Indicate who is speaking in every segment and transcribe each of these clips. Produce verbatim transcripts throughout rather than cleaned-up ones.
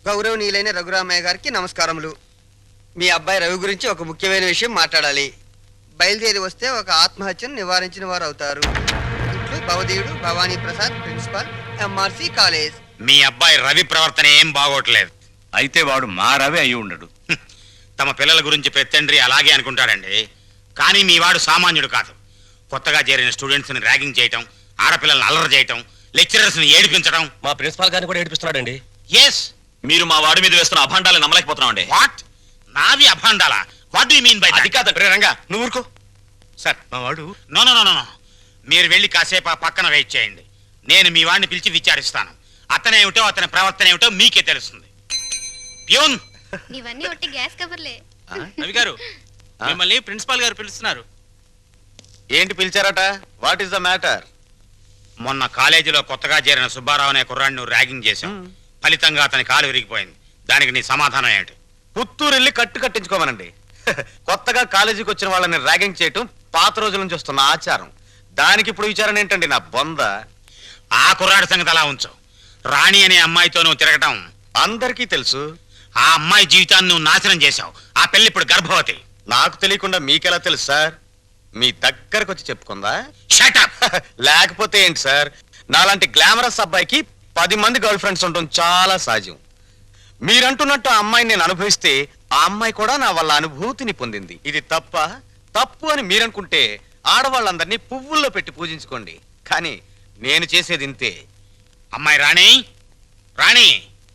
Speaker 1: గౌరవనీయులైన రఘురామయ్య గారికి నమస్కారములు. మీ అబ్బాయి రవి గురించి ఒక ముఖ్యమైన విషయం మాట్లాడాలి. బయలుదేరి వస్తే ఒక ఆత్మహత్యను నివారించిన వారు అవుతారు. ఇట్లు భవదీయుడు Bhavani Prasad, principal, MRC college.
Speaker 2: మీ అబ్బాయి రవి ప్రవర్తన ఏం బాగోట్లేదు.
Speaker 3: అయితే వాడు మా రవి అయి ఉండడు.
Speaker 2: తమ పిల్లల గురించి పెత్తండ్రి అలాగే అనుకుంటాడండి. కానీ మీ వాడు సామాన్యుడు కాదు. కొత్తగా చేరిన స్టూడెంట్స్ ని ర్యాగింగ్ చేయటం, ఆడపిల్లల్ని అల్లరి చేయటం, లెక్చరర్స్ ని ఏడిపించడం.
Speaker 4: మా ప్రిన్సిపాల్ గారిని కూడా ఏడిపిస్తున్నాడండి.
Speaker 2: ఎస్,
Speaker 5: మీరు మా వాడి మీద వేస్తున్న అభాండాలు నమ్మలేకపోతున్నామండి.
Speaker 2: వాట్? నావి అభాండాలా? What do you mean by that?
Speaker 5: అది కాదు రంగా,
Speaker 4: నువ్వు ఊరుకో సార్. మా వాడు
Speaker 2: నో నో నో నో మీరు వెళ్ళి కాసేపు ఆ పక్కన వెయిట్ చేయండి. నేను మీ వాడిని పిలిచి విచారిస్తాను. అతనేమిటో అతని ప్రవర్తన ఏమిటో మీకే తెలుస్తుంది. ప్యూన్,
Speaker 6: ఇవన్నీ ఒట్టి గ్యాస్ కవర్లే.
Speaker 5: రవి గారు, మిమ్మల్ని ప్రిన్సిపాల్ గారు పిలుస్తున్నారు.
Speaker 3: ఏంటి పిలిచారట? What is the matter?
Speaker 2: మొన్న కాలేజీలో కొత్తగా చేరిన సుబ్బారావు అనే కుర్రాడిని ర్యాగింగ్ చేశాం. ఫలితంగా అతని కాలు విరిగిపోయింది. దానికి నీ సమాధానం ఏంటి?
Speaker 3: పుత్తూరు వెళ్ళి కట్టు కట్టించుకోమనండి. కొత్తగా కాలేజీకి వచ్చిన వాళ్ళని ర్యాగింగ్ చేయటం పాత రోజుల నుంచి వస్తున్న ఆచారం. దానికి ఇప్పుడు విచారణ ఏంటండి నా బొంద?
Speaker 2: ఆ కుర్రాడి సంగతి అలా ఉంచు. రాణి అనే అమ్మాయితో నువ్వు తిరగటం
Speaker 3: అందరికీ తెలుసు.
Speaker 2: ఆ అమ్మాయి జీవితాన్ని నువ్వు నాశనం చేశావు. ఆ పెళ్లి ఇప్పుడు గర్భవతి.
Speaker 3: నాకు తెలియకుండా మీకెలా తెలుసు సార్? మీ దగ్గరకు వచ్చి చెప్పుకుందా?
Speaker 2: Shut up.
Speaker 3: లేకపోతే ఏంటి సార్, నాలాంటి గ్లామరస్ అబ్బాయికి పది మంది గర్ల్ ఫ్రెండ్స్ ఉండటం చాలా సహజం. మీరంటున్నట్టు ఆ అమ్మాయిని నేను అనుభవిస్తే ఆ అమ్మాయి కూడా నా వల్ల అనుభూతిని పొందింది. ఇది తప్ప? తప్పు అని మీరనుకుంటే ఆడవాళ్ళందరినీ పువ్వుల్లో పెట్టి పూజించుకోండి. కానీ నేను చేసేది ఇంతే.
Speaker 2: అమ్మాయి రాణి, రాణి,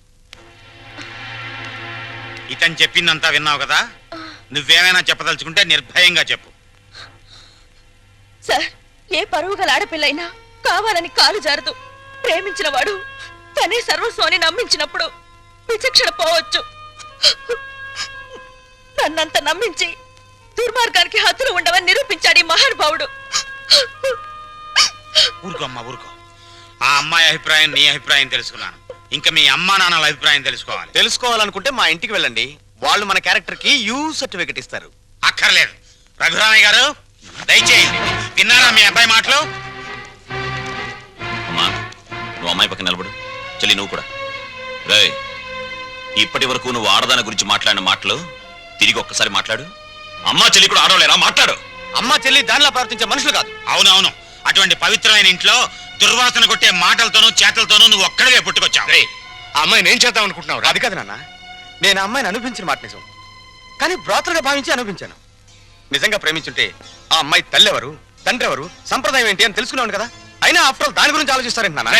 Speaker 2: ఇతను చెప్పిందంతా విన్నావు కదా? నువ్వేమైనా చెప్పదలుచుకుంటే నిర్భయంగా చెప్పు.
Speaker 7: సార్, ఏ పరువు గల ఆడపిల్లైనా కావాలని కాలు జారదు. ప్రేమించిన వాడు తనే సర్వస్వాన్ని నమ్మించినప్పుడు విచక్షణ పోవచ్చు. నన్నంత నమ్మించి దుర్మార్గానికి హద్దులు ఉండవని నిరూపించాడు ఈ మహానుభావుడు.
Speaker 2: ఊరుకో అమ్మా, ఊరుకో. ఆ అమ్మాయి అభిప్రాయం నీ అభిప్రాయం తెలుసుకున్నాను. ఇంకా మీ అమ్మా నాన్నల అభిప్రాయం తెలుసుకోవాలి.
Speaker 3: తెలుసుకోవాలనుకుంటే మా ఇంటికి వెళ్ళండి. వాళ్ళు మన క్యారెక్టర్ కి యూ సర్టిఫికెట్ ఇస్తారు.
Speaker 2: అక్కర్లేదు. రఘురామయ్య గారు దయచేయండి. విన్నారా మీ అబ్బాయి మాటలు?
Speaker 5: అమ్మా, నువ్వు అమ్మాయి పక్కన నిలబడు. చెల్లి నువ్వు కూడా. రే, ఇప్పటి వరకు నువ్వు ఆడదాని గురించి మాట్లాడిన మాటలు తిరిగి ఒక్కసారి మాట్లాడు. అమ్మా చెల్లి కూడా ఆడవలేరా? మాట్లాడు.
Speaker 3: అమ్మా చెల్లి దానిలా ప్రవర్తించే మనుషులు కాదు.
Speaker 2: అవునవును. అటువంటి పవిత్రమైన ఇంట్లో దుర్వాసన కొట్టే మాటలతోనూ చేతలతోనూ నువ్వు ఒక్కడివే పుట్టుకొచ్చావు.
Speaker 4: ఆ అమ్మాయిని ఏం చేద్దాం అనుకుంటున్నావు?
Speaker 3: అది కాదు నాన్న, నేను ఆ అమ్మాయిని అనిపించిన మాట నిజం. కానీ బ్రాతలుగా భావించి అనిపించాను. నిజంగా ప్రేమించుంటే ఆ అమ్మాయి తల్లి ఎవరు, తండ్రి ఎవరు, సంప్రదాయం ఏంటి అని తెలుసుకున్నాను కదా. అయినా ఆఫ్టర్ ఆల్ దాని గురించి ఆలోచిస్తారేంటి నాన్న?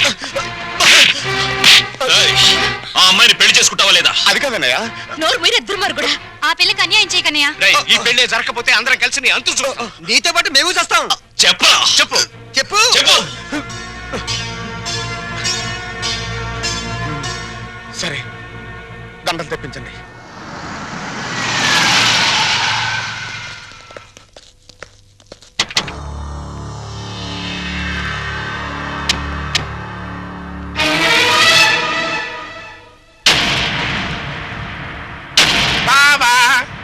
Speaker 5: ఆ అమ్మాయిని పెళ్లి చేసుకుంటావా లేదా?
Speaker 3: అది కాదన్నయ్య.
Speaker 7: నోరు మీరే దుర్మార్గుడా.
Speaker 6: ఆ పిల్లకి అన్యాయం చేయకన్నయ్య.
Speaker 4: ఈ పెళ్లి జరగకపోతే అందరం కలిసి నీ అంతు చూస్తాం.
Speaker 1: నీతో పాటు మేము చేస్తాం.
Speaker 5: చెప్పరా?
Speaker 4: చెప్పు
Speaker 1: చెప్పు
Speaker 5: చెప్పు.
Speaker 3: సరే, దండలు తెప్పించండి.
Speaker 2: బావా,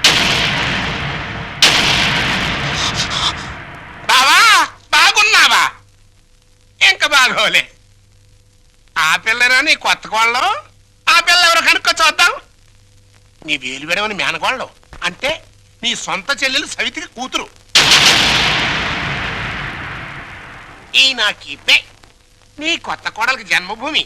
Speaker 2: బావా, బాగున్నావా? ఇంకా బాగోలే. ఆ పిల్లరా నీ కొత్త కోళ్ళం? ఆ పిల్ల ఎవరు కనుక్కో చూద్దాం. నీ వేలు విడవని మేనకోళ్ళం అంటే నీ సొంత చెల్లెలు సవితికి కూతురు. ఈ నా కీపే నీ కొత్త కోడలకి జన్మభూమి.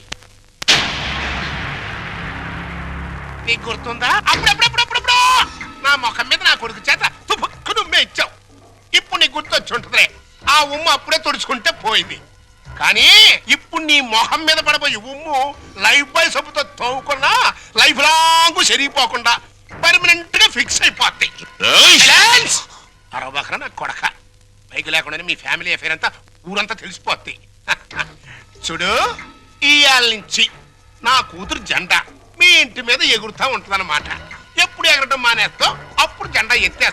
Speaker 2: నీకు గుర్తుందా? అప్పుడప్పుడప్పుడప్పుడు నా ముఖం మీద నా కొడుకు చేత తుపుక్కు నుమ్మే ఇచ్చావు. ఇప్పుడు నీకు గుర్తొచ్చి ఉంటుందిలే. ఆ ఉమ్ము అప్పుడే తుడుచుకుంటే పోయింది. కానీ ఇప్పుడు నీ మొహం మీద పడబోయి ఉమ్ము లైఫ్ బాయ్ సబ్బుతో తోముకున్నా లైఫ్ లాంగ్ సరిగిపోకుండా పర్మనెంట్ గా ఫిక్స్ అయిపోద్ది. అరవబకరా నా కొడక. బైక్ లేకుండానే మీ ఫ్యామిలీ అఫేర్ అంతా ఊరంతా తెలిసిపోద్ది. చూడు, ఇయాల నుంచి నా కూతురు జెండా మీ ఇంటి మీద ఎగురుతా ఉంటుందన్నమాట. ఎప్పుడు ఎగరటం మానేస్తావు అప్పుడు జెండా ఎత్తేస్తా.